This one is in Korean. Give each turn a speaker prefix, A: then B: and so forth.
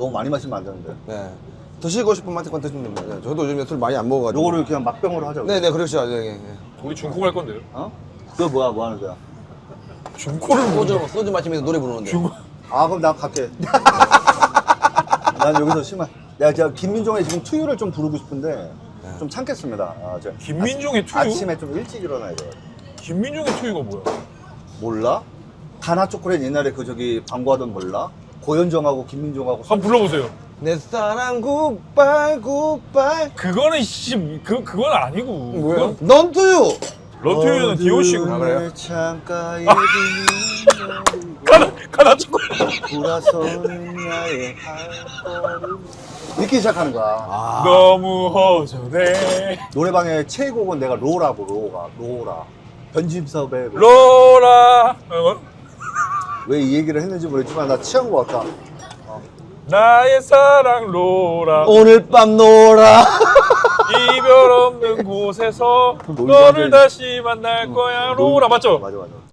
A: 너무 많이 마시면 안 되는데.
B: 네. 드시고 싶은 만큼 드시면 됩니다. 네, 저도 요즘에 술 많이 안 먹어가지고.
A: 요거를 그냥 막병으로 하자고.
B: 네네, 그렇죠. 네, 네.
C: 우리 중코 갈 건데요.
A: 어? 그거 뭐야, 뭐 하는 거야?
C: 중코를
B: 소주 마시면서 노래 부르는데.
A: 아, 그럼 나 갈게. 난 여기서 심한. 내가 진짜 김민종의 지금 투유를 좀 부르고 싶은데 좀 참겠습니다. 아,
C: 김민종의 투유?
A: 아침에 좀 일찍 일어나야 돼.
C: 김민종의 투유가 뭐야?
A: 몰라? 가나 초콜릿 옛날에 그 저기 광고하던 몰라? 고현정하고 김민종하고
C: 한번 불러보세요.
B: 내 사랑 굿바이 굿바이.
C: 그거는 그건 아니고.
B: 뭐야? 넌 투유.
C: 런투유는 디오씨고.
B: 아, 그래요?
A: 창가에
C: 가나 초콜릿.
A: 돌아서는 나의 발걸음 이렇게 시작하는 거야.
B: 아.
C: 너무 허전해.
A: 노래방의 최애곡은 내가 로라고 로라 변진섭의
C: 로라.
A: 왜 이 얘기를 했는지 모르겠지만 나 취한 것 같다.
C: 나의 사랑 로라.
B: 오늘 밤 놀아.
C: 이별 없는 곳에서
A: 놀고
C: 너를
A: 앉아있-
C: 다시 만날 거야. 로라 맞죠?
A: 맞아 맞아.